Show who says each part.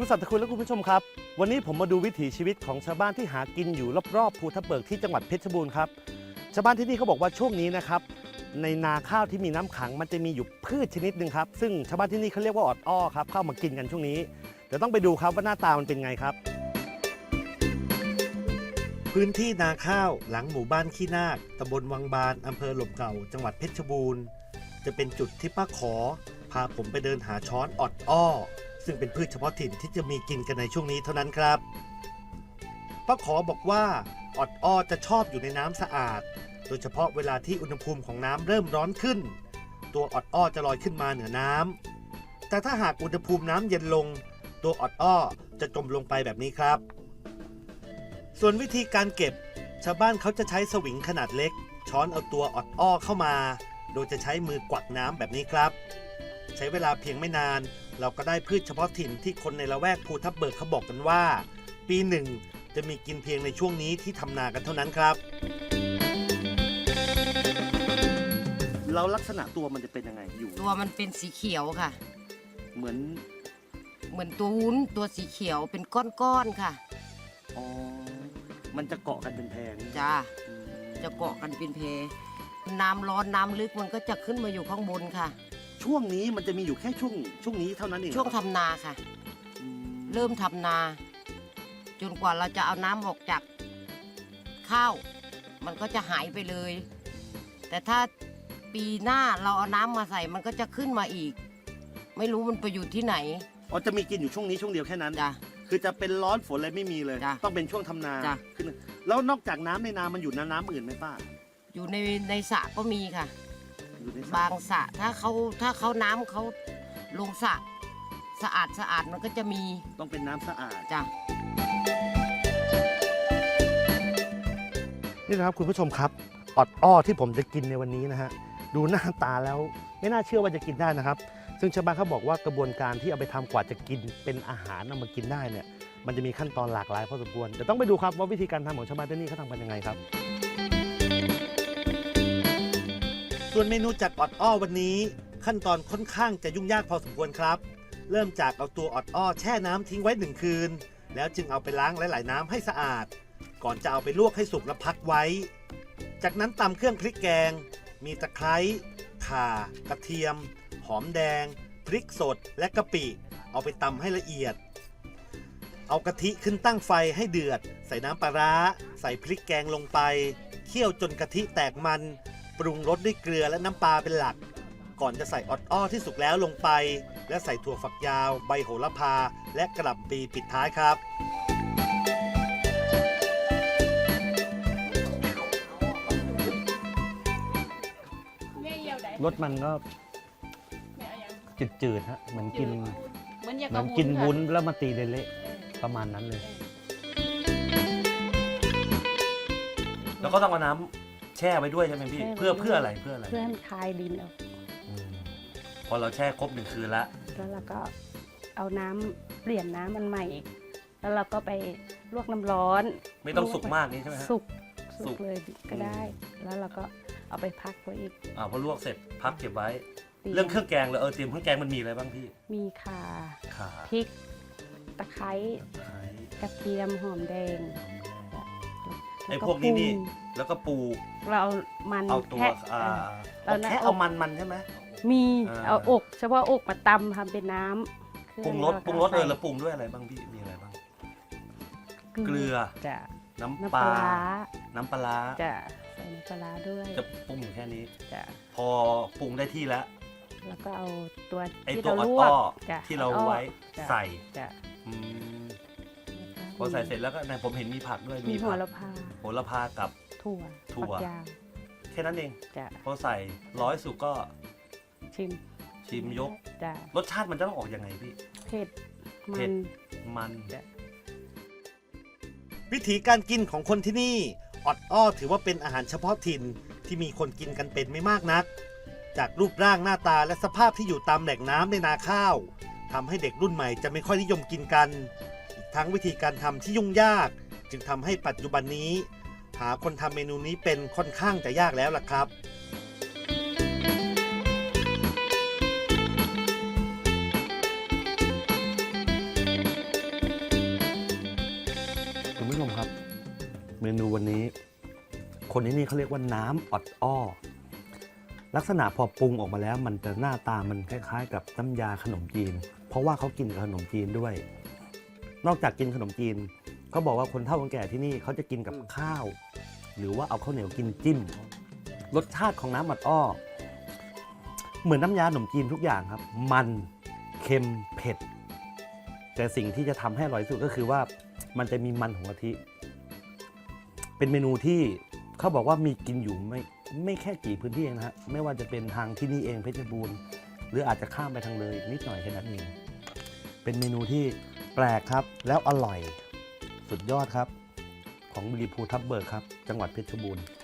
Speaker 1: คุณสัตย์คุณและคุณผู้ชมครับวันนี้ผมมาดูวิถีชีวิตของชาวบ้านที่หากินอยู่รอบๆภูทับเบิกที่จังหวัดเพชรบูรณ์ครับชาวบ้านที่นี่เขาบอกว่าช่วงนี้นะครับในนาข้าวที่มีน้ำขังมันจะมีอยู่พืชชนิดหนึ่งครับซึ่งชาวบ้านที่นี่เขาเรียกว่าออดอ้อครับเข้ามากินกันช่วงนี้เดี๋ยวต้องไปดูครับว่าหน้าตามันเป็นไงครับพื้นที่นาข้าวหลังหมู่บ้านขี้นาคตำบลวังบานอำเภอหล่มเก่าจังหวัดเพชรบูรณ์จะเป็นจุดที่ป้าขอพาผมไปเดินหาช้อนออดอ้อซึ่งเป็นพืชเฉพาะถิ่นที่จะมีกินกันในช่วงนี้เท่านั้นครับป้าขอบอกว่าออดอ้อจะชอบอยู่ในน้ำสะอาดโดยเฉพาะเวลาที่อุณหภูมิของน้ำเริ่มร้อนขึ้นตัวออดอ้อจะลอยขึ้นมาเหนือน้ำแต่ถ้าหากอุณหภูมิน้ำเย็นลงตัวออดอ้อจะจมลงไปแบบนี้ครับส่วนวิธีการเก็บชาวบ้านเขาจะใช้สวิงขนาดเล็กช้อนเอาตัวออดอ้อเข้ามาโดยจะใช้มือกวักน้ำแบบนี้ครับใช้เวลาเพียงไม่นานเราก็ได้พืชเฉพาะถิ่นที่คนในละแวกภูทับเบิกเขาบอกกันว่าปีหนึ่งจะมีกินเพียงในช่วงนี้ที่ทำนากันเท่านั้นครับแล้วลักษณะตัวมันจะเป็นยังไงอยู่
Speaker 2: ตัวมันเป็นสีเขียวค่ะ
Speaker 1: เหมือน
Speaker 2: ตัววุ้นตัวสีเขียวเป็นก้อนๆค่ะ
Speaker 1: อ๋อมันจะเกาะกันเป็นแพง
Speaker 2: จ้าจะเกาะกันเป็นแพน้ำร้อนน้ำลึกมันก็จะขึ้นมาอยู่ข้างบนค่ะ
Speaker 1: ช่วงนี้มันจะมีอยู่แค่ช่วงนี้เท่านั้นเอง
Speaker 2: ช่วงทำนาค่ะเริ่มทำนาจนกว่าเราจะเอาน้ำออกจากข้าวมันก็จะหายไปเลยแต่ถ้าปีหน้าเราเอาน้ำมาใส่มันก็จะขึ้นมาอีกไม่รู้มันไปอยู่ที่ไหน
Speaker 1: อ๋อจะมีกินอยู่ช่วงนี้ช่วงเดียวแค่นั้น
Speaker 2: จ้ะ
Speaker 1: คือจะเป็นร้อนฝนอะไรไม่มีเลยต้องเป็นช่วงทำนาขึ้นแล้วนอกจากน้ำในนามันอยู่น้ำอื่นไหมป้า
Speaker 2: อยู่ในสระก็มีค่ะบางสระถ้าเขาน้ำเขาลงสระสะอาดมันก็จะมี
Speaker 1: ต้องเป็นน้ำสะอาด
Speaker 2: จ้ะ
Speaker 1: นี่นะครับคุณผู้ชมครับออดอ้อที่ผมจะกินในวันนี้นะฮะดูหน้าตาแล้วไม่น่าเชื่อว่าจะกินได้นะครับซึ่งชาวบ้านเขาบอกว่ากระบวนการที่เอาไปทำกว่าจะกินเป็นอาหารเอามากินได้เนี่ยมันจะมีขั้นตอนหลากหลายพอสมควรเดี๋ยวต้องไปดูครับว่าวิธีการทำของชาวบ้านที่นี่เขาทำกันยังไงครับส่วนเมนูจากออดอ้อวันนี้ขั้นตอนค่อนข้างจะยุ่งยากพอสมควรครับเริ่มจากเอาตัวออดอ้อแช่น้ำทิ้งไว้1 คืนแล้วจึงเอาไปล้างหลายๆน้ำให้สะอาดก่อนจะเอาไปลวกให้สุกและพักไว้จากนั้นตำเครื่องพริกแกงมีตะไคร้ข่ากระเทียมหอมแดงพริกสดและกะปิเอาไปตำให้ละเอียดเอากะทิขึ้นตั้งไฟให้เดือดใส่น้ำปลาร้าใส่พริกแกงลงไปเคี่ยวจนกะทิแตกมันปรุงรสด้วยเกลือและน้ำปลาเป็นหลักก่อนจะใส่ออดอ้อที่สุกแล้วลงไปและใส่ถั่วฝักยาวใบโหระพาและกระหล่ำปีปิดท้ายครับรสมันก็จืดๆฮะเหมือนกินวุ้นแล้วมาตีเละๆประมาณนั้นเลยแล้วก็ต้องเอาน้ำแช่ไว้ด้วยใช่ไหมพี่เพื่ออะไรเพื่อ
Speaker 3: ให้มันคลายดินออก
Speaker 1: พอเราแช่ครบ1 คืนแล้ว
Speaker 3: เราก็เอาน้ำเปลี่ยนน้ำมันใหม่แล้วเราก็ไปลวกน้ำร้อน
Speaker 1: ไม่ต้องสุกมากนี่ใช่ไหม
Speaker 3: สุกเลยก็ได้แล้วเราก็เอาไปพักไว้อีก
Speaker 1: พอลวกเสร็จพักเก็บไว้เรื่องเครื่องแกงเลยเตรียมเครื่องแกงมันมีอะไรบ้างพี่
Speaker 3: มีข่าพริกตะไคร้กระเทียมหอมแดง
Speaker 1: ไอ้พวกนี้นี่แล้วก็ปู
Speaker 3: เราเอาตัว
Speaker 1: เราแค่เอามันใช่ไหม
Speaker 3: มีเอาอกเฉพาะอกมาตำทำเป็นน้ำ
Speaker 1: ปรุงรสแล้วปรุงด้วยอะไรบ้างพี่มีอะไรบ้างเกลือน้ำปลา
Speaker 3: จะใส่น้ำปลาด้วย
Speaker 1: จะปรุงแค่นี้พอปรุงได้ที่แล้ว
Speaker 3: ก็เอาตัว
Speaker 1: ที่เราลวกที่เราไว้ใส่พอใส่เสร็จแล้วก็ผมเห็นมีผักด้วย
Speaker 3: มีโห
Speaker 1: ระพากับ
Speaker 3: ถั่ว
Speaker 1: แค่นั้นเองพอใส่ร้อยสุกก็ชิมยกรสชาติมันจะต้องออกยังไงพี่
Speaker 3: เผ็ด
Speaker 1: มันวิธีการกินของคนที่นี่ออดอ้อถือว่าเป็นอาหารเฉพาะถิ่นที่มีคนกินกันเป็นไม่มากนักจากรูปร่างหน้าตาและสภาพที่อยู่ตามแหล่งน้ำในนาข้าวทำให้เด็กรุ่นใหม่จะไม่ค่อยนิยมกินกันอีกทั้งวิธีการทำที่ยุ่งยากจึงทำให้ปัจจุบันนี้หาคนทำเมนูนี้เป็นค่อนข้างจะยากแล้วล่ะครับเมนูวันนี้ คนที่นี่เขาเรียกว่าน้ำออดอ้อ ลักษณะพอปรุงออกมาแล้วมันจะหน้าตามันคล้ายๆ กับน้ำยาขนมจีน เพราะว่าเขากินกับขนมจีนด้วย นอกจากกินขนมจีนเขาบอกว่าคนเฒ่าคนแก่ที่นี่เขาจะกินกับข้าว หรือว่าเอาข้าวเหนียวกินจิ้ม รสชาติของน้ำออดอ้อ เหมือนน้ำยาขนมจีนทุกอย่างครับ มันเค็มเผ็ด แต่สิ่งที่จะทำให้อร่อยที่สุดก็คือว่ามันจะมีมันของกะทิ เป็นเมนูที่เขาบอกว่ามีกินอยู่ไม่แค่กี่พื้นที่เองนะฮะไม่ว่าจะเป็นทางที่นี่เองเพชรบูรณ์หรืออาจจะข้ามไปทางเลยนิดหน่อยแค่นั้นเองเป็นเมนูที่แปลกครับแล้วอร่อยสุดยอดครับของบุรีภูทับเบิกครับจังหวัดเพชรบูรณ์